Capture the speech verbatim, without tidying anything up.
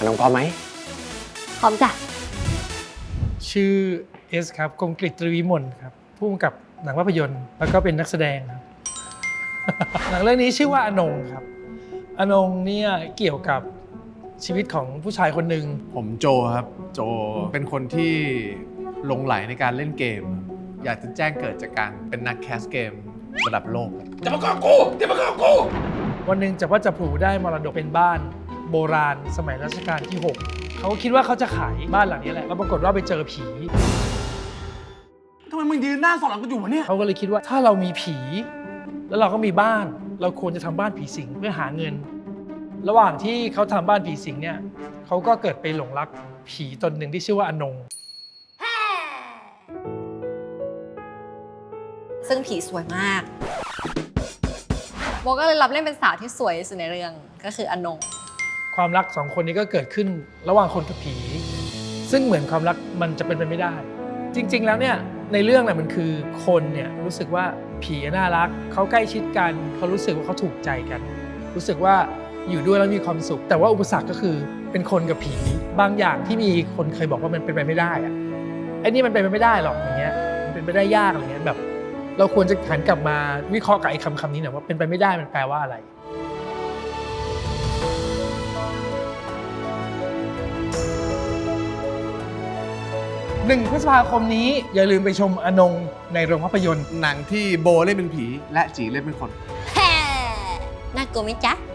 น้องพร้อมไหมพร้อมจ้ะชื่อเอสครับกงกฤษตรีวิมลครับผู้กำกับหนังภาพยนตร์แล้วก็เป็นนักแสดงครับ หนังเรื่องนี้ชื่อว่าอนงครับอนงเนี่ยเกี่ยวกับชีวิตของผู้ชายคนหนึ่งผมโจครับโจเป็นคนที่หลงไหลในการเล่นเกม อยากจะแจ้งเกิดจากการเป็นนักแคสเกมระดับโลกจะมาก้อกูจะมาก้อกูวันหนึ่งจับว่าจับผูได้มรดกเป็นบ้านโบราณสมัยรัชกาลที่หกเขาคิดว่าเขาจะขายบ้านหลังนี้แหละแล้วปรากฏว่าไปเจอผีทำไมมึงยืนหน้าสอนหลังกูอยู่วะเนี่ยเขาก็เลยคิดว่าถ้าเรามีผี แล้วเราก็มีบ้านเราควรจะทำบ้านผีสิงเพื่อหาเงิน ระหว่างที่เขาทำบ้านผีสิงเนี่ยเขาก็เกิดไปหลงรักผีตนหนึ่งที่ชื่อว่าอนงซึ่งผีสวยมากโบก็เลยรับเล่นเป็นสาวที่สวยที่สุดในเรื่องก็คืออนงความรักสองคนนี้ก็เกิดขึ้นระหว่างคนกับผีซึ่งเหมือนความรักมันจะเป็นไปไม่ได้จริงๆแล้วเนี่ยในเรื่องน่ะมันคือคนเนี่ยรู้สึกว่าผีน่ารักเขาใกล้ชิดกันเขารู้สึกว่าเขาถูกใจกันรู้สึกว่าอยู่ด้วยแล้วมีความสุขแต่ว่าอุปสรรคก็คือเป็นคนกับผีบางอย่างที่มีคนเคยบอกว่ามันเป็นไปไม่ได้อะไอ้นี่มันเป็นไปไม่ได้หรอกอย่างเงี้ยมันเป็นไปได้ยากอะไรเงี้ยแบบเราควรจะหันกลับมาวิเคราะห์กับไอ้คำคำนี้หน่อยว่าเป็นไปไม่ได้มันแปลว่าอะไรหนึ่งพฤษภาคมนี้อย่าลืมไปชมอนงในโรงภาพยนตร์หนังที่โบเล่นเป็นผีและจีเล่นเป็นคนแฮ่น่ากลัวไหมจ๊ะ